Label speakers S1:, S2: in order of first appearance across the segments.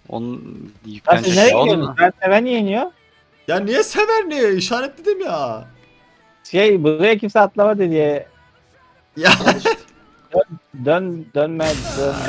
S1: Onun
S2: Lan siz
S1: yüklenecek.
S2: nereye
S1: Ya
S2: gidiyorsunuz?
S1: onun
S2: Ben seven niye iniyor?
S3: Ya niye sever niye? İşaretledim ya.
S2: Buraya kimse atlamadı diye.
S3: Ya.
S2: Dön.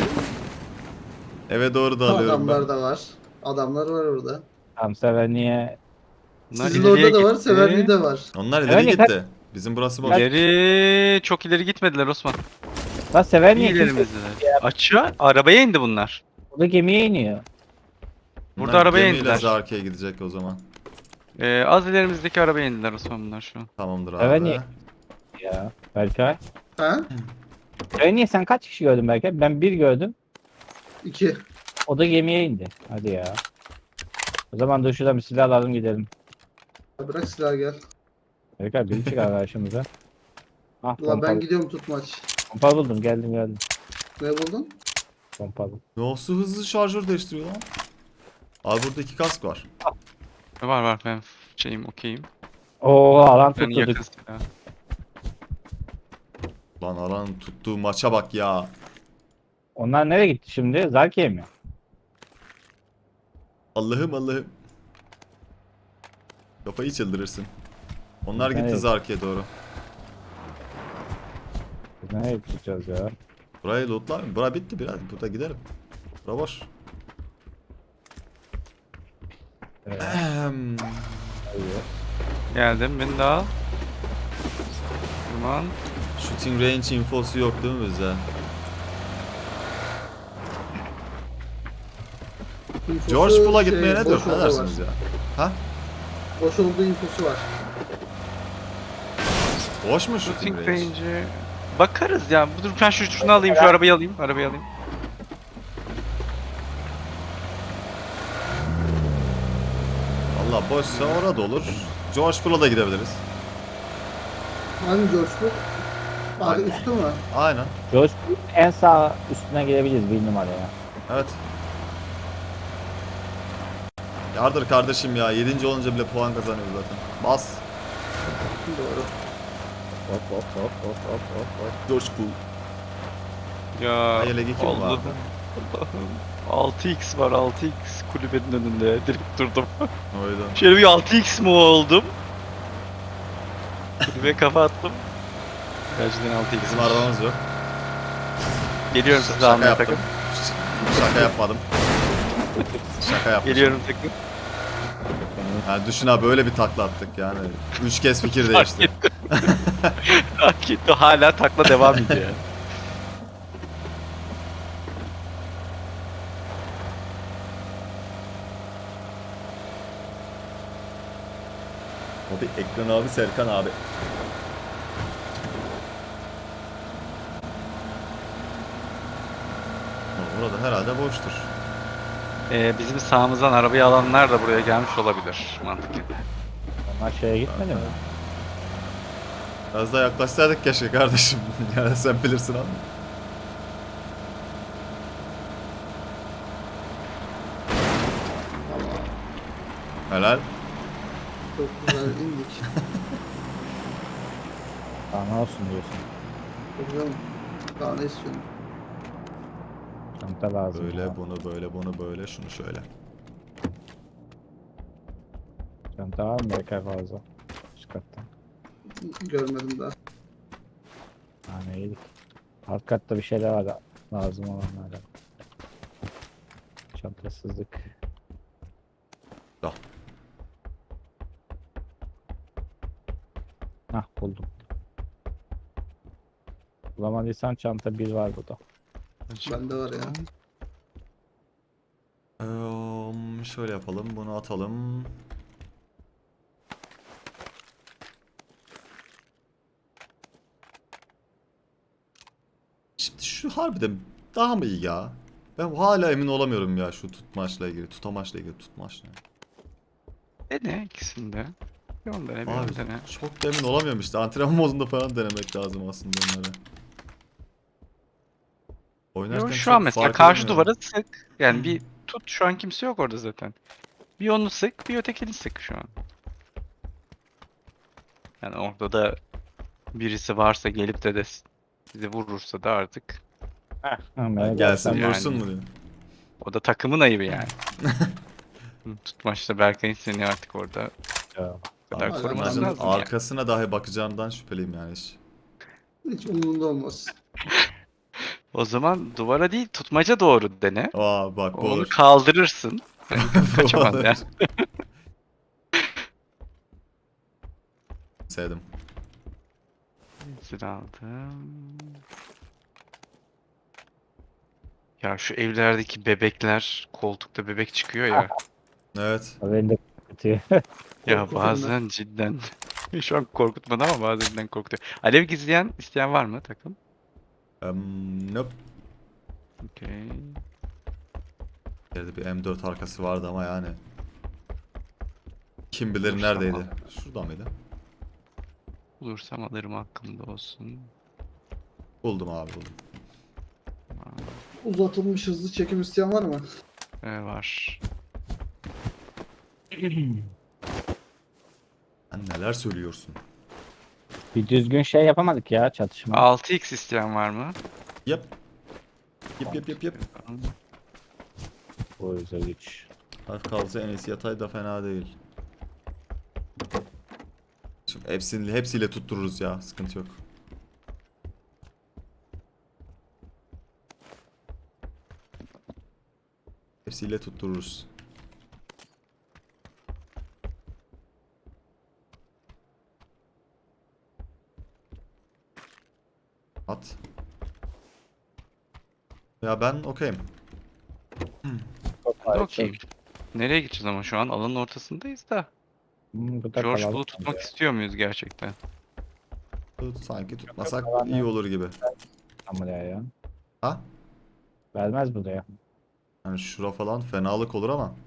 S3: Eve doğru da alıyorum ben.
S4: Adamlar da var. Adamlar var orada.
S2: Tam seven niye?
S1: bunlar
S4: Sizin
S1: ileriye
S4: orada da var,
S1: gitti.
S4: Severli de var.
S3: Onlar ileri
S2: Evet,
S3: gitti. Bizim burası boş.
S1: İleri çok ileri gitmediler Osman.
S2: Lan seven
S1: İyi
S2: niye kimse?
S1: ilerimizdeler. Açığa arabaya indi bunlar.
S2: Burada gemiye iniyor.
S1: Burada
S3: Bunlar
S1: arabaya
S3: gemiyle
S1: indiler.
S3: Zarki'ye gidecek o zaman.
S1: Az ilerimizdeki arabaya indiler Osman bunlar şu an.
S3: Tamamdır abi.
S2: Evet, niye? Ya Berkay.
S4: Ha?
S2: Seven niye sen kaç kişi gördün Berkay? Ben bir gördüm.
S4: 2.
S2: O da gemiye indi. Hadi ya. O zaman dur şuradan bir silah alalım gidelim.
S4: Bırak silahı gel.
S2: Berkay biri çıkar karşımıza. Ah
S4: Ulan ben
S2: pompalı.
S4: gidiyorum tutmaç.
S2: Pompalı buldum geldim.
S4: Ne buldun?
S2: Pompalı.
S3: Nasıl hızlı şarjör değiştiriyor lan? Abi burada 2 kask var.
S1: Var ben okeyim.
S2: Oo alan
S1: Ben yakın
S2: tutturduk.
S1: silah.
S3: Lan alan tuttuğu maça bak ya.
S2: Onlar nereye gitti şimdi? Zarkiye mi?
S3: Allah'ım. Kafayı çıldırırsın. Onlar gitti
S2: Evet.
S3: Zarki'ye doğru.
S2: Biz nereye gideceğiz ya?
S3: Burayı lootlar mı? Bura bitti biraz. Burada gidelim. Bura boş.
S2: Evet.
S3: Ahem.
S2: Hayır.
S1: Geldim beni de al. Tamam.
S3: Shooting range infosu yok değil mi bize?
S4: İnfosu
S3: George Pool'a gitmeye ne
S4: boş
S3: diyor? Ne
S4: olduğu
S3: dersiniz
S4: var.
S3: ya? Ha?
S4: Boş olduğu infosu var.
S3: Boş mu shooting
S1: Shooting
S3: range?
S1: range'e bakarız ya. Dur ben şunu alayım, şu arabayı alayım.
S3: Valla boşsa orada olur. George Pool'a da gidebiliriz.
S4: Hangi George Pool? Abi
S3: Aynen.
S4: üstü mü?
S3: Aynen.
S2: George en sağ üstüne gidebiliriz bir numaraya.
S3: Evet. Yardır kardeşim ya. 7. olunca bile puan kazanıyoruz zaten. Bas.
S4: Doğru.
S2: Hop.
S3: George Pool.
S1: Ya
S3: Hayır, legi kim
S1: Allah'ım.
S3: vardı?
S1: Allah'ım. 6x var 6x kulübenin önünde. Direkt durdum.
S3: Oydu.
S1: Şöyle bir 6x mi oldum? Kulübeye kafa attım. Gerçekten 6x.
S3: Bizim arabamız yok.
S1: Geliyorum size
S3: Şaka
S1: almaya
S3: yaptım.
S1: takım.
S3: Şaka yapmadım. Şaka yaptım.
S1: Geliyorum takım.
S3: Yani düşün abi böyle bir takla attık yani. 3 kez fikir
S1: Fark
S3: değişti.
S1: ettim. Fark etti. Hala takla devam ediyor.
S3: Abi Ekran abi, Serkan abi. Burada herhalde boştur.
S1: Bizim sağımızdan arabayı alanlar da buraya gelmiş olabilir mantıken.
S2: Onlar şeye gitmedi mi?
S3: Biraz daha yaklaşsaydık keşke kardeşim. Yani sen bilirsin abi. Helal.
S4: Çok güzel indik.
S2: Daha ne olsun diyorsun.
S4: Çok güzel. Daha ne istiyorsun?
S2: Çanta lazım.
S3: Böyle
S2: ya.
S3: bunu böyle şunu şöyle.
S2: Çanta var mı Berkay fazla? Üst katta.
S4: Görmedim daha.
S2: Yani iyiydik. Alt katta bir şeyler var da lazım olanlardan. Çantasızlık.
S3: Al.
S2: Hah buldum. Bulamadıysan çanta bir var burada.
S4: Bende var ya.
S3: Şöyle yapalım, bunu atalım. Şimdi şu harbiden daha mı iyi ya? Ben hala emin olamıyorum ya şu tutmaçla ilgili, tutamaçla ilgili tutmaçla.
S1: Dene ikisinde. Bir onu dene, bir
S3: Abi
S1: onu dene.
S3: çok da emin olamıyorum işte. Antrenman modunda falan denemek lazım aslında onları. Oynarken
S1: Yo, şu
S3: çok
S1: an mesela
S3: fark
S1: karşı
S3: edemiyorum.
S1: duvara sık. Yani bir tut, şu an kimse yok orada zaten. Bir onu sık, bir ötekini sık şu an. Yani orada da birisi varsa gelip de sizi vurursa da artık
S2: Heh.
S3: Ha, gelsin
S1: Yani.
S3: vursun mu diyor.
S1: O da takımın ayıbı yani. Tutmaçta Berkay'ın seni artık orada
S2: Ya,
S1: bu kadar
S4: Abi,
S1: koruman
S3: Tutmacın
S1: lazım yani.
S3: arkasına dahi bakacağından şüpheliyim yani hiç.
S4: Hiç umurumda olmaz.
S1: O zaman duvara değil tutmaca doğru dene.
S3: Aa bak bu
S1: Onu
S3: olur.
S1: kaldırırsın. Yani
S3: Bu
S1: kaçamaz
S3: olur.
S1: yani.
S3: Sevdim.
S1: Zil aldım. Ya şu evlerdeki bebekler, koltukta bebek çıkıyor ya.
S3: Evet.
S2: beni de kötü.
S1: Ya
S4: Korku
S1: bazen cidden şu an korkutmadı ama bazen korkutuyor. Alev gizleyen isteyen var mı takım?
S3: Nope.
S1: Okey.
S3: Yerde bir M4 arkası vardı ama yani. Kim bilir
S1: Bulursam
S3: neredeydi?
S1: al.
S3: Şurada mıydı?
S1: Bulursam alırım aklımda olsun.
S3: Buldum abi buldum.
S4: Uzatılmış hızlı çekim isteyen var mı?
S1: Var.
S3: Sen neler söylüyorsun?
S2: Bir düzgün şey yapamadık ya çatışma.
S1: 6x isteyen var mı?
S3: Yap. Yap.
S2: O yüzden güç.
S3: Hafif kalsa en iyisi yatay da fena değil. Şimdi hepsiyle tuttururuz ya. Sıkıntı yok. Hepsiyle tuttururuz. At. Ya ben okeyim.
S2: Çok
S1: Ben de
S2: var,
S1: okeyim. Nereye gideceğiz ama şu an alanın ortasındayız da.
S2: Burada
S1: George
S2: kalalım
S1: Bull'u tutmak
S2: bence.
S1: istiyor muyuz gerçekten?
S3: Sanki tutmasak
S2: Yok,
S3: iyi olur gibi.
S2: Ama ya.
S3: Ha?
S2: Vermez buraya.
S3: Yani şura falan fenalık olur ama.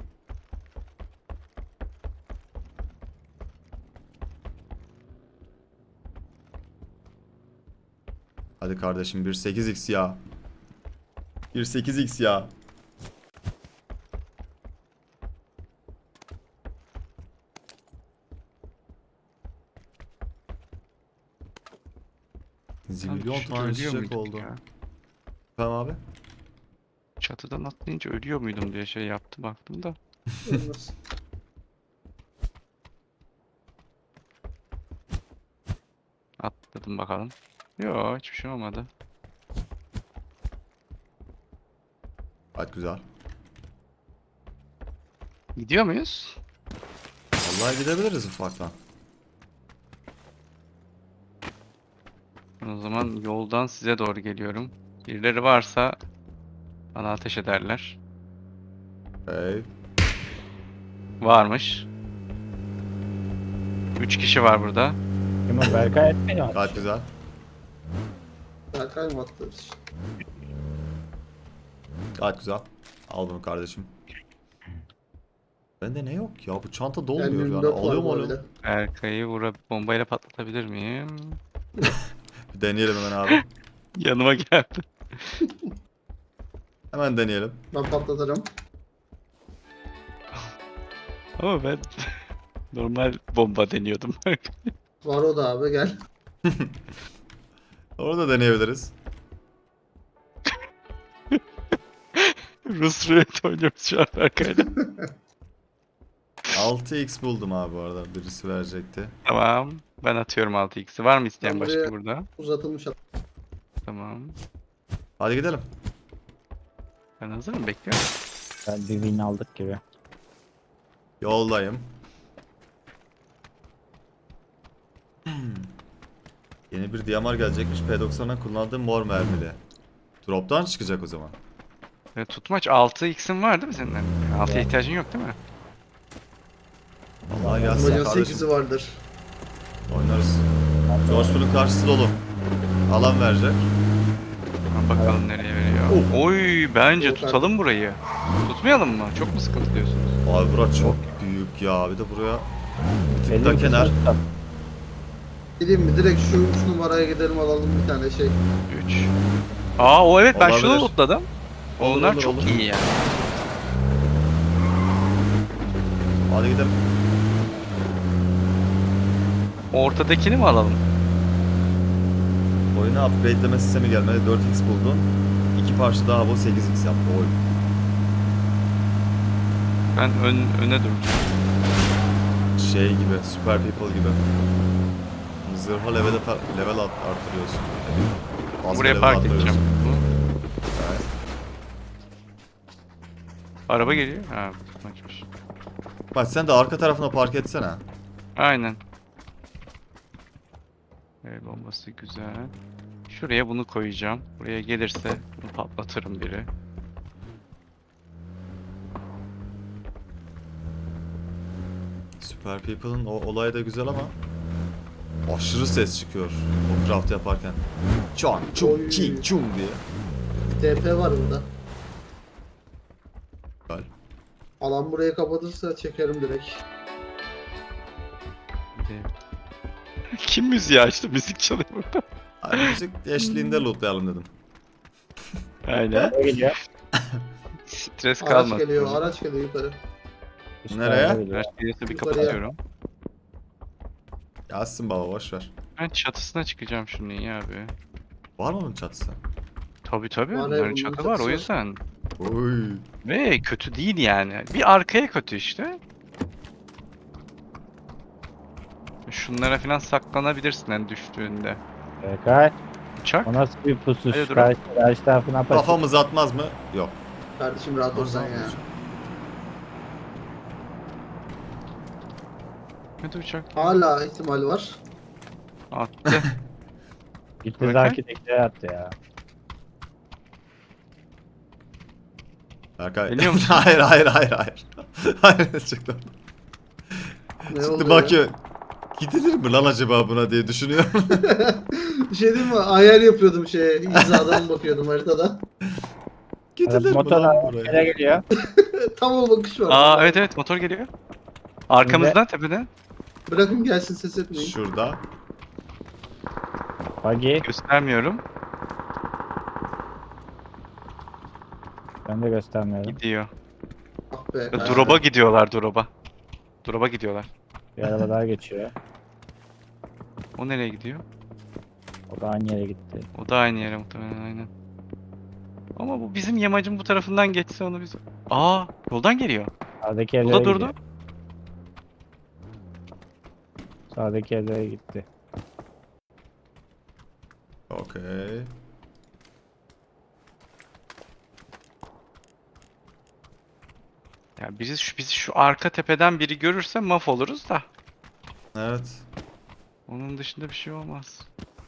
S3: Hadi kardeşim 1.8x ya. 1.8x ya. Zibilyon
S1: Düşünce
S3: tane
S1: ölüyor
S3: çiçek
S1: muyduk
S3: oldu.
S1: ya?
S3: Tamam abi.
S1: Çatıdan atlayınca ölüyor muydum diye şey yaptım baktım da.
S4: Olmaz.
S1: Atladım bakalım. Yo hiçbir şey olmadı.
S3: Gayet güzel.
S1: Gidiyor muyuz?
S3: Vallahi gidebiliriz ufaktan.
S1: O zaman yoldan size doğru geliyorum. Birileri varsa bana ateş ederler.
S3: Hey.
S1: Varmış. 3 kişi var burada.
S2: Kim o? Berkay etmiyor.
S3: Gayet güzel.
S4: Berkay mı attı?
S3: Gayet güzel. Al bunu kardeşim. Bende ne yok ya? Bu çanta dolmuyor yani.
S4: M24 var
S3: Alıyor mu
S4: bu
S3: alıyor?
S4: arada.
S1: Erkay'ı bombayla patlatabilir miyim?
S3: Bir deneyelim hemen abi.
S1: Yanıma geldi.
S3: Hemen deneyelim.
S4: Ben patlatırım.
S1: Ama ben normal bomba deniyordum.
S4: Var o da abi gel.
S3: Orada deneyebiliriz.
S1: Rus roulette oynuyoruz şu an Berkay'la.
S3: 6x buldum abi bu arada. Birisi verecekti.
S1: Tamam. Ben atıyorum 6x'i. Var mı isteyen
S4: Ben
S1: başka
S4: buraya-
S1: burada?
S4: Uzatılmış at.
S1: Tamam.
S3: Hadi gidelim.
S1: Ben hazırım bekliyorum.
S2: Ben bir win aldık gibi.
S3: Yoldayım. Yeni bir DMR gelecekmiş. P90'dan kullandığım mor mermili. Drop'tan çıkacak o zaman.
S1: Tutmaç 6x'in var değil mi senin? 6'ya ihtiyacın yok değil mi?
S3: Vallahi gelsin
S4: Amacın
S3: kardeşim.
S4: 8'i vardır.
S3: Oynarız. George Bull'un karşısı dolu. Alan verecek.
S1: Tamam, bakalım nereye veriyor. Oy bence
S4: Yok,
S1: tutalım burayı. Tutmayalım mı? Çok mu sıkıntı diyorsunuz?
S3: Abi bura çok büyük ya. Bir de buraya bir tık
S2: Benim
S3: da kenar.
S2: kızım-
S4: Gideyim mi? Direkt şu 3 numaraya gidelim alalım bir tane şey.
S1: 3. Aa o evet ben şunu
S3: Olabilir.
S1: lootladım.
S3: Olur,
S1: Onlar
S3: olur,
S1: çok
S3: olur.
S1: iyi yani.
S3: Hadi gidelim.
S1: Ortadakini mi alalım?
S3: Oyuna upgradeleme sistemi gelmedi. 4x buldun. 2 parça daha bu 8x yaptı oyun.
S1: Ben öne duracağım.
S3: Şey gibi, Super People gibi. Zırha level arttırıyorsun. Bazı
S1: Buraya
S3: level
S1: park
S3: arttırıyorsun.
S1: edeceğim.
S3: Evet.
S1: Araba geliyor. Ha, açmış.
S3: Bak sen de arka tarafına park etsene.
S1: Aynen. El bombası güzel. Şuraya bunu koyacağım. Buraya gelirse bunu patlatırım biri.
S3: Super People'ın o olayı da güzel ama aşırı ses çıkıyor o craft yaparken. Çan, çum,
S4: Oy.
S3: çing, çum diye.
S4: TP var burada.
S3: Güzel.
S4: Alan burayı kapatırsa çekerim direkt.
S1: Bir de- Kim müziği açtı? Müzik çalıyor burada.
S3: Ay, müzik eşliğinde lootlayalım dedim.
S1: Aynen.
S2: Nereye gidiyor?
S1: Stres
S4: Araç
S1: kalmasın.
S4: geliyor, araç geliyor yukarı.
S2: Üst
S3: Nereye?
S2: tarafa gidiyor.
S1: Araç gelirse bir
S4: Yukarıya.
S1: kapatıyorum.
S3: Yazsın baba boşver.
S1: Ben çatısına çıkacağım şunu iyi abi.
S3: Var mı onun çatısı?
S1: Tabii tabii.
S4: Var,
S1: Bunların
S4: bunun
S1: çatı var o
S4: çatısı.
S1: yüzden.
S3: Oy.
S1: Ve kötü değil yani. Bir arkaya kötü işte. Şunlara falan saklanabilirsin en düştüğünde.
S2: Berkay.
S1: Uçak.
S2: O nasıl bir pusu?
S1: Hadi
S2: Şu
S1: durun.
S2: karşı tarafına bak.
S3: Kafamız atmaz mı? Yok.
S4: Kardeşim rahat ol sen ya.
S1: Hadi uçak.
S4: Hala ihtimal var.
S1: Attı.
S2: Gitti
S1: Berkay.
S2: Zaki'dekileri attı ya.
S3: Berkay.
S1: Geliyor musun?
S3: hayır. Hayır çıktım.
S4: Ne
S3: Çıktı
S4: oldu
S3: bakıyor. Gidilir mi lan acaba buna diye düşünüyorum.
S4: Bir şey diyeyim mi? Ayar yapıyordum hizadan bakıyordum haritada.
S3: Gidilir mi
S2: Motorla
S3: lan
S2: nereye
S3: buraya?
S2: geliyor?
S4: Tam o bakış var.
S1: Aa evet motor geliyor. Arkamızdan tepeden.
S4: Bırakın gelsin, ses etmeyin.
S3: Şurada.
S2: Buggy.
S1: Göstermiyorum.
S2: Ben de göstermiyorum.
S1: Gidiyor.
S4: Ah be.
S1: Drop'a gidiyorlar drop'a. Drop'a gidiyorlar.
S2: Bir araba daha geçiyor.
S1: O nereye gidiyor?
S2: O da aynı yere gitti.
S1: O da aynı yere muhtemelen aynen. Ama bu bizim yamacın bu tarafından geçse onu biz... Aa yoldan geliyor.
S2: Sağdaki
S1: O
S2: evlere
S1: da durdu.
S2: gidiyor. Sağdaki evlere gitti.
S3: Okey.
S1: Ya bizi şu arka tepeden biri görürse mahvoluruz da.
S3: Evet.
S1: Onun dışında bir şey olmaz.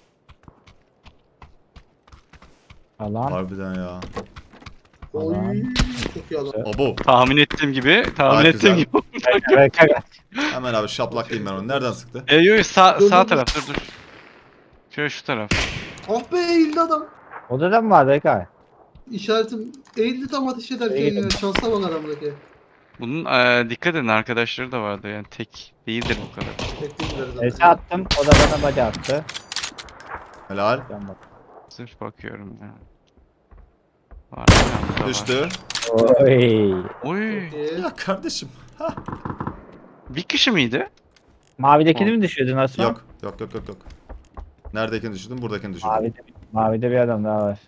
S2: Alan.
S3: Harbiden ya.
S4: Oy.
S2: Aman.
S4: Çok iyi alan.
S3: Abo.
S1: Tahmin ettiğim gibi, tahmin
S3: Gayet
S1: ettiğim
S3: güzel.
S1: gibi.
S2: Berkay.
S3: Hemen abi şaplaklayayım ben onu. Nereden sıktı?
S1: Yo sağ
S4: Dur,
S1: sağ
S4: dur,
S1: taraf dur. Şöyle şu taraf.
S4: Ah be, eğildi adam.
S2: Odada mı var Berkay?
S4: İşaretim eğildi tam ateş ederken
S2: Eğildim.
S4: ya. Şansa bak aramdaki.
S1: Bunun dikkat edin arkadaşları da vardı yani tek değildir bu kadar.
S4: Bekleyinler
S2: Ese
S4: zaten.
S2: attım. O da bana body attı.
S3: Helal.
S2: Ben bak.
S1: Sırf bakıyorum ya. Var, bir tane daha var.
S3: Düştü.
S2: Oy.
S1: Oy.
S4: Çok iyi.
S3: Ya kardeşim.
S1: Bir kişi miydi?
S2: Mavidekini mi düşürdün Osman?
S3: Yok. Neredekini düşürdün? Buradakini düşürdüm.
S2: Mavide bir adam daha var.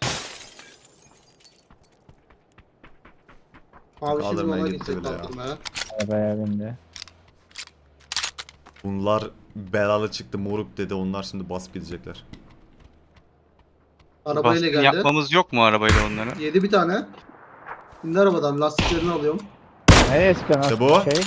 S4: Abi şimdi
S3: Kaldırmaya
S4: ona
S3: gitti
S4: gidecek
S3: bile ya.
S4: kaldırmaya.
S2: Arabaya bindi.
S3: Bunlar belalı çıktı moruk dedi. Onlar şimdi basıp gidecekler.
S4: Arabayla
S1: Baskın
S4: geldi.
S1: yapmamız yok mu arabayla onlara?
S4: Yedi bir tane. İndi arabadan, lastiklerini alıyorum.
S2: Nereye sıkıyorsun
S3: İşte
S2: Osman?
S3: bu.
S2: Şey?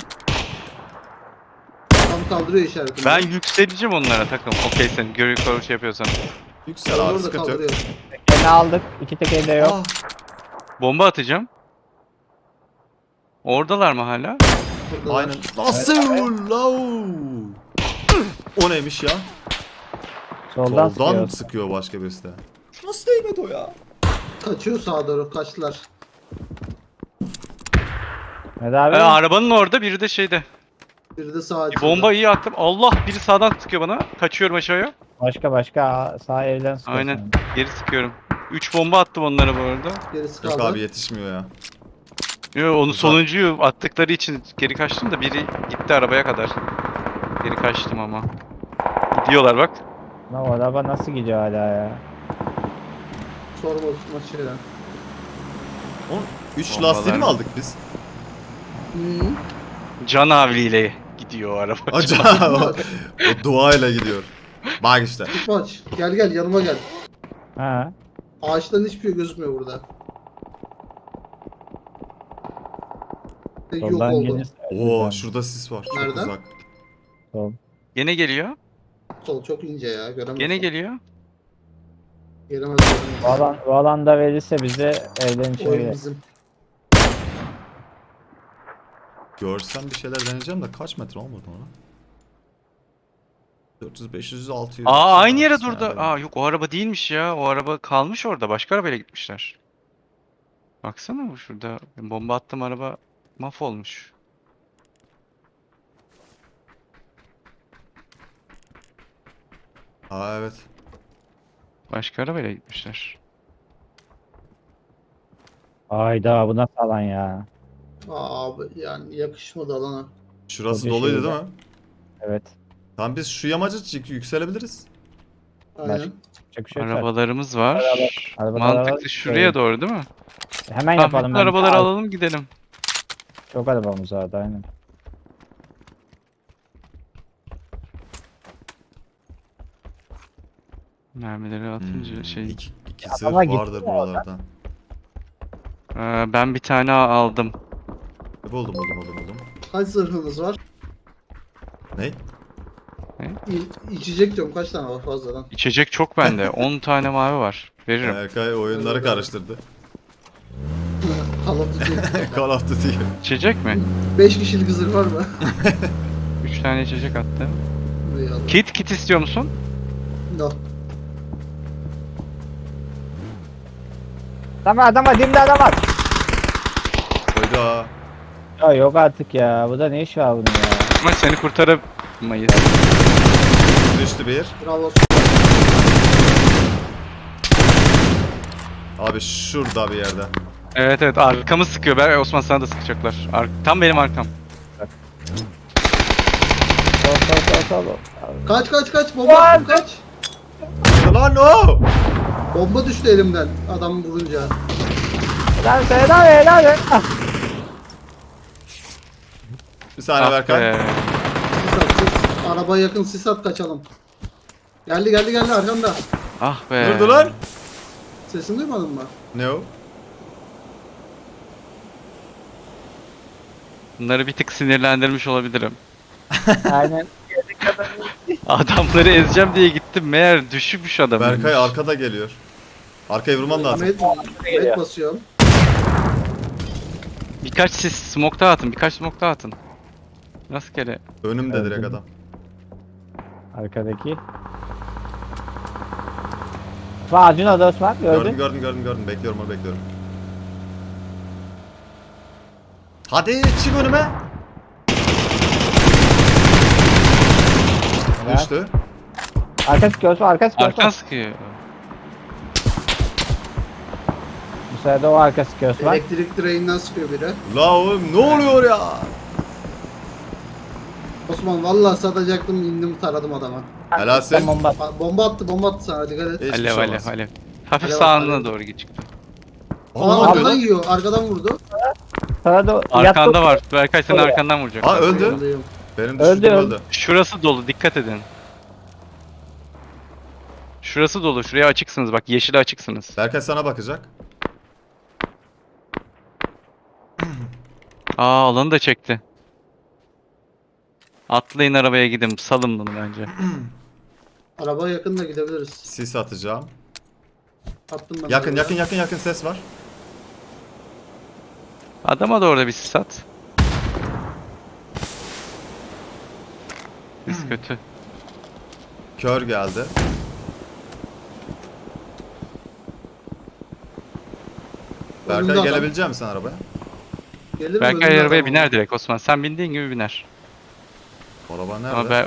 S4: Tam kaldırıyor işaretini.
S1: Ben yükseleceğim onlara takım. Okey sen görü şey yapıyorsan.
S3: Yüksel abi
S4: Orada
S3: sıkıntı yok.
S4: kaldırıyor.
S2: Tekerini aldık. İki tekeri de yok.
S3: Ah,
S1: Bomba atacağım. Oradalar mı hala?
S4: Buradalar.
S3: aynen. Nasıl? Lau? O neymiş ya?
S2: Soldan
S3: Soldan
S2: sıkıyor.
S3: sıkıyor başka birisi de. Nasıl değmedi o ya?
S4: Kaçıyor sağa doğru, kaçtılar.
S2: Ne abi?
S1: Arabanın orada biri de şeyde.
S4: Biri de sağa
S1: Bir bomba iyi attım. Allah biri sağdan sıkıyor bana. Kaçıyorum aşağıya.
S2: Başka sağ evden sıkıyor.
S1: Aynen.
S2: sana.
S1: Geri sıkıyorum. 3 bomba attım onlara bu arada.
S4: Gerisi
S3: Yok
S4: kaldı.
S3: abi yetişmiyor ya.
S1: Yo onu
S3: Güzel.
S1: sonuncuyu attıkları için geri kaçtım da biri gitti arabaya kadar. Geri kaçtım ama. Gidiyorlar bak.
S2: Lan o araba nasıl gidiyor hala ya?
S4: Sorma maçıyla.
S3: Onun 3
S1: Bombalar
S3: lastiğini mi
S1: mı?
S3: aldık biz?
S4: Hı.
S1: Can havliyle gidiyor o araba.
S3: Acaba o duayla gidiyor. Bak işte.
S4: Tutmaç. Gel gel yanıma gel.
S2: Ha.
S4: Ağaçların hiçbir şey gözükmüyor burada. Yok
S2: Soldan
S4: oldu.
S2: gelirse.
S3: Oo şurada sis var. Çok
S4: Nereden?
S3: uzak.
S2: Sol.
S1: Gene geliyor.
S4: Sol çok ince ya. Göremiyorsun.
S1: Gene geliyor.
S4: Gelemez.
S2: Bu alanda verirse bize evden içeri
S4: Oyun
S2: girer.
S4: bizim.
S3: Görsem bir şeyler deneyeceğim de kaç metre olmadı ona? 400, 500, 600.
S1: Aa aynı yere
S3: 600
S1: durdu.
S3: yani.
S1: Aa yok o araba değilmiş ya. O araba kalmış orada. Başka arabayla gitmişler. Baksana bu şurada. Bomba attım araba mahvolmuş.
S3: Aa evet.
S1: Başka arabayla gitmişler.
S2: Ayda bu nasıl alan ya?
S4: Abi yani yakışmadı alana.
S3: Şurası
S2: Tabii
S3: doluydu
S2: şeyde.
S3: değil mi?
S2: Evet.
S3: Tamam biz şu yamacı yükselebiliriz.
S4: Aynen.
S2: Çok bir şey yok zaten.
S1: Arabalarımız var.
S2: arabalar var.
S1: Mantıklı şuraya doğru değil mi?
S2: Hemen
S1: Tamam
S2: yapalım.
S1: bütün
S2: ben.
S1: arabaları alalım gidelim.
S2: Çok arabamız vardı aynen.
S1: Mermileri atınca şey.
S3: İki zırh
S2: Adama gitti
S3: vardır
S2: mi
S3: buralarda.
S1: Ben bir tane aldım.
S3: Buldum.
S4: Kaç zırhınız var?
S3: Ne?
S4: İçecek diyorum kaç tane var fazladan?
S1: İçecek çok bende. 10 tane mavi var. Veririm.
S3: Erkay oyunları karıştırdı.
S4: Call of Duty.
S3: Call of Duty.
S1: İçecek mi?
S4: 5 kişilik zırh var mı?
S1: 3 tane içecek attım.
S4: Buraya al.
S1: Kit istiyor musun?
S4: No.
S2: Adam var dimde adam var.
S3: Hayda.
S2: Ya yok artık ya. Bu da ne iş var bunun ya?
S1: Ama seni kurtaramayız.
S3: Düştü bir.
S4: Bravo.
S3: Abi şurada bir yerde.
S1: Evet evet arkamı sıkıyor. Ben Osman sana da sıkacaklar. Tam benim arkam.
S2: Sol.
S4: Kaç bomba attım, kaç.
S3: Lan o!
S4: Bomba düştü elimden adam vurunca.
S2: Lan helal et. Ah.
S3: Bir saniye Berkay.
S1: be.
S4: Sis at sis. Arabaya yakın sis at kaçalım. Geldi arkamda.
S1: Ah be.
S3: Nerede lan?
S4: Sesini duymadın mı?
S3: Ne o?
S1: Bunları bir tık sinirlendirmiş olabilirim.
S2: Aynen.
S1: Adamları ezeceğim diye gittim. Meğer düşmüş adam.
S3: Berkay arkada geliyor. Arkaya vurman lazım.
S4: Med basıyorum.
S1: Birkaç sis smoke daha atın. Birkaç smoke daha atın. Rastgele.
S3: Önümde
S2: Evet,
S3: direkt
S2: evet.
S3: adam.
S2: Arkadaki. Ağacın adı Osman gördün.
S3: Gördüm. Bekliyorum. Hadi çık önüme.
S2: Evet.
S3: Düştü.
S2: Arkası Osman arkası
S1: Arkan sıkıyor.
S2: Bu sırada o arkası Osman.
S4: Elektrik direğinden sıkıyor biri.
S3: La oğlum ne oluyor ya?
S4: Osman vallahi satacaktım indim taradım adama.
S3: Helalsin.
S2: Bomba.
S4: Bomba attı sana dikkat et.
S3: Hiçbir
S1: Alev
S3: şey
S1: alev
S3: olmaz.
S1: alev. Hafif
S4: Alev,
S1: sağına
S4: alev.
S1: doğru çıktı.
S3: Aa, ne
S4: Arkadan
S3: yapıyor?
S4: yiyor arkadan vurdu.
S2: Sırada
S1: Arkanda var. Berkay seni
S2: Oraya.
S1: arkandan vuracak.
S3: Aa öldü.
S4: Yanındayım.
S3: Benim
S2: Öldü,
S3: düştüğüm
S2: öldü.
S3: öldü.
S1: Şurası dolu. Dikkat edin. Şurası dolu. Şuraya açıksınız. Bak yeşile açıksınız.
S3: Berkay sana bakacak.
S1: Alanı da çekti. Atlayın arabaya gidin. Salın bunu bence.
S4: Arabaya yakın da gidebiliriz.
S3: Sis atacağım.
S4: Attım ben.
S3: Yakın ses var.
S1: Adama da orada bir sis at. Sis kötü.
S3: Kör geldi.
S4: Önümde
S3: Berkay
S4: adam.
S3: gelebilecek misin arabaya?
S4: Gelirim,
S1: Berkay
S4: önümde
S1: arabaya
S4: adam
S1: biner
S4: var.
S1: direkt Osman. Sen bindiğin gibi biner.
S3: Araba nerede?
S1: Ama ben...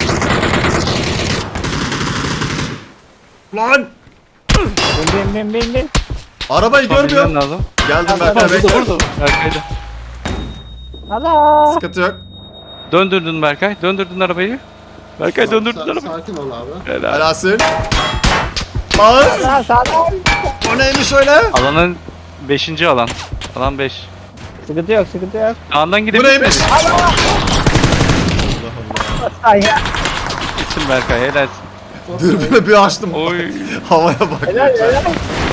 S3: Lan!
S2: bin.
S3: Arabayı
S1: Osman
S3: görmüyorum.
S1: binmen lazım.
S3: Geldim
S1: Tamam,
S3: Berkay bekle.
S1: burada. Berkay'da.
S2: Allah.
S3: Sıkıntı yok.
S1: Döndürdün Berkay. Döndürdün arabayı. Berkay döndürdün arabayı.
S4: Sakin ol abi.
S1: Helal.
S3: Helalsin. Bas!
S2: Allah sağlam.
S3: O neymiş öyle?
S1: Alanın 5. alan. Alan 5.
S2: Sıkıntı yok, sıkıntı yok.
S1: Sağından
S3: Bu
S1: gidebilir
S3: neymiş?
S1: misin?
S3: Allah Allah.
S2: Ay ya.
S1: Gitsin Berkay helalsin.
S3: Dürbünü bir açtım.
S1: Oy.
S3: Havaya bak.
S2: Helal
S3: lütfen.
S2: helal.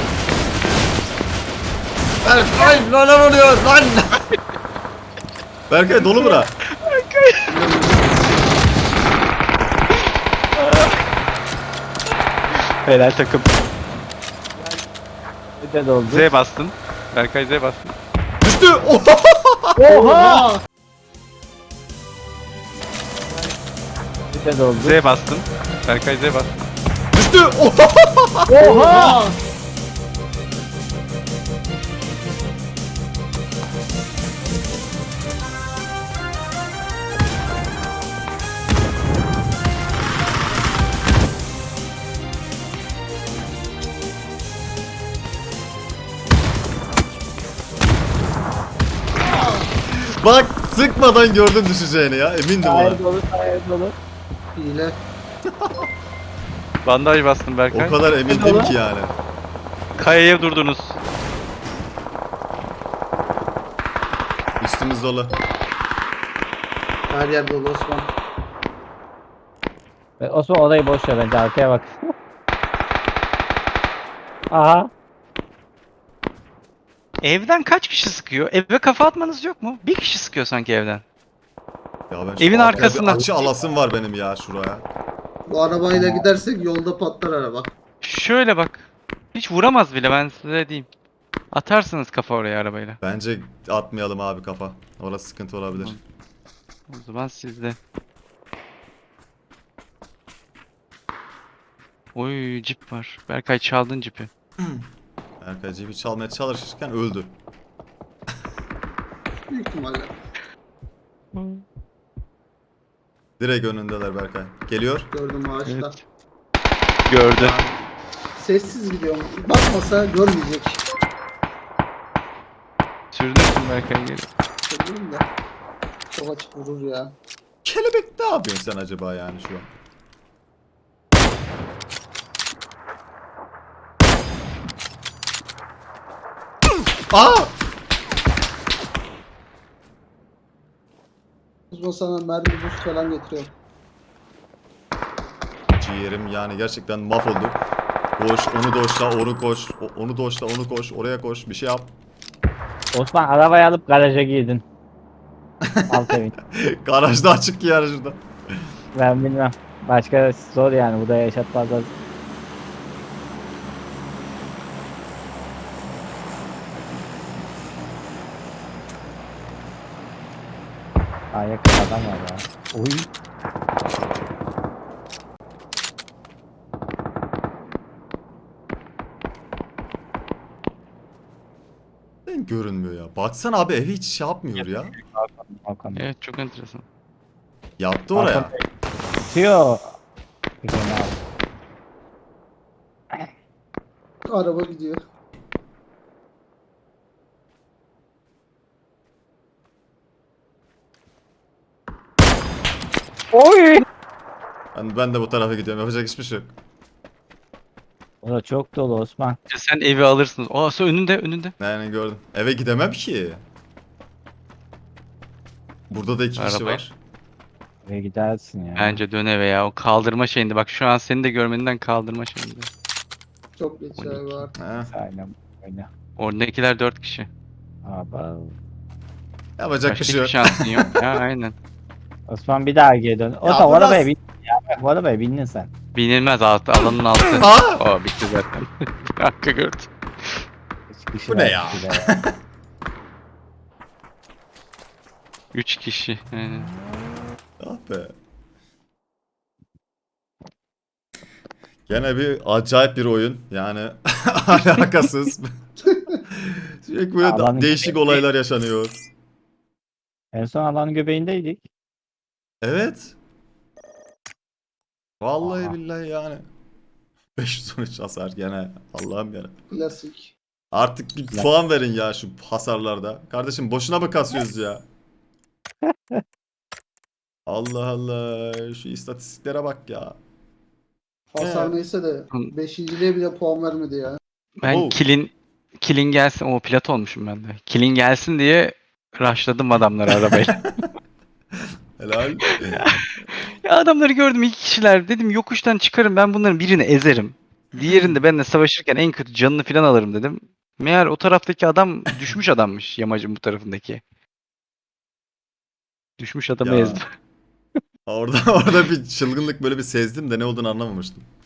S3: Berkay neler oluyor lan? Berkay dolu bura.
S1: Helal takım.
S2: Bir de doldu.
S1: Z bastın. Berkay Z bastın.
S3: Düştü.
S2: Oha.
S4: Oha!
S2: Bir de doldu.
S1: Z bastın. Berkay Z bastın.
S3: Düştü.
S2: Oha.
S3: Bak sıkmadan gördüm düşeceğini ya. Emindim ona.
S2: Hayır dolu, hayır dolu.
S4: Hile.
S1: Bandaj bastın Berkay.
S3: O kadar emindim ki yani.
S1: Kayaya durdunuz.
S3: Üstümüz dolu.
S4: Her yer dolu Osman.
S2: Osman orayı boş ver bence, arkaya bak. Aha.
S1: Evden kaç kişi sıkıyor? Eve kafa atmanız yok mu? Bir kişi sıkıyor sanki evden.
S3: Ya ben şu
S1: Evin
S3: arkaya
S1: arkasında.
S3: bir açı alasım var benim ya şuraya.
S4: Bu arabayla gidersek yolda patlar araba.
S1: Şöyle bak. Hiç vuramaz bile ben size diyeyim. Atarsınız kafa oraya arabayla.
S3: Bence atmayalım abi kafa. Orası sıkıntı olabilir.
S1: O zaman sizde. Oy cip var. Berkay çaldın cipi.
S3: Berkay cebi çalmaya çalışırken öldü.
S4: Büyük ihtimalle.
S3: Direkt önündeler Berkay. Geliyor.
S4: Gördüm ağaçta.
S1: Evet. Gördü.
S4: Sessiz gidiyorum. Bakmasa görmeyecek.
S1: Sürdürsün Berkay geri.
S4: Söyleyeyim de. Çok açık vurur ya.
S3: Kelebek ne yapıyorsun sen acaba yani şu an? Aa!
S4: Osman sana mermi boost falan getiriyor.
S3: Ciğerim yani gerçekten mahvoldu. Koş, onu doşla, onu koş. Onu doşla, onu koş. Oraya koş. Bir şey yap.
S2: Osman arabayı alıp garaja girdin. Alt evin.
S3: Garajda açık ki yani şurada.
S2: Ben bilmem. Başka zor yani, bu da yaşatmazlar. Aa, yakın adam var ya. Oy.
S3: Görünmüyor ya. Baksana abi evi hiç şey yapmıyor ya.
S2: Hakan.
S1: Evet çok enteresan.
S3: Yattı oraya.
S2: Hakan tutuyor. Bir kere abi.
S4: Araba gidiyor.
S2: Oy.
S3: Ben de bu tarafa gidiyorum. Yapacak hiçbir şey yok.
S2: O da çok dolu Osman.
S1: Sen evi alırsınız. Aa sen önünde.
S3: Yani gördüm. Eve gidemem ki. Burada da iki kişi
S1: Arabayı.
S3: var.
S2: Ve gidersin ya.
S1: Bence dön eve ya. O kaldırma şeyinde. Bak şu an seni de görmeninden kaldırma şeyinde.
S4: Çok geç ya var.
S3: He.
S2: Aynen öyle.
S1: Oradakiler 4 kişi.
S2: Aba.
S3: Yapacak bir
S1: Başka
S3: şey
S1: hiçbir
S3: yok.
S1: şansın yok. Ya aynen.
S2: Osman bir daha geri dön. O
S3: Ya
S2: da
S3: biraz-
S2: arabaya bin. Ya bu arabaya bindin sen.
S1: Binilmez altı. Alanın altı.
S3: Aa!
S1: Aa bitti zaten. Hakka gördüm.
S2: Üç kişi
S3: Bu ne
S2: var,
S3: ya?
S2: kişi de.
S1: 3 kişi. Aynen.
S3: Ah be. Gene bir acayip bir oyun. Yani alakasız. Sürekli böyle
S2: Alanın
S3: değişik
S2: göbeği-
S3: olaylar yaşanıyor.
S2: En son alanın göbeğindeydik.
S3: Evet. Vallahi
S2: Aha.
S3: billahi yani. 513 hasar gene. Allah'ım ya.
S4: Klasik.
S3: Artık bir puan verin ya şu hasarlarda. Kardeşim boşuna mı kasıyoruz ya? Allah Allah. Şu istatistiklere bak ya.
S4: Hasar neyse de 5.liğe bile puan vermedi ya.
S1: Ben
S3: Oh.
S1: kilin gelsin. O pilot olmuşum ben de. Kilin gelsin diye Rushladım adamları arabayla.
S3: Helal.
S1: Ya adamları gördüm 2 kişiler. Dedim yokuştan çıkarım ben bunların birini ezerim. Diğerinde benimle savaşırken en kötü canını falan alırım dedim. Meğer o taraftaki adam düşmüş adammış yamacın bu tarafındaki. Düşmüş adamı
S3: Ya.
S1: ezdim.
S3: Orada bir çılgınlık böyle bir sezdim de ne olduğunu anlamamıştım.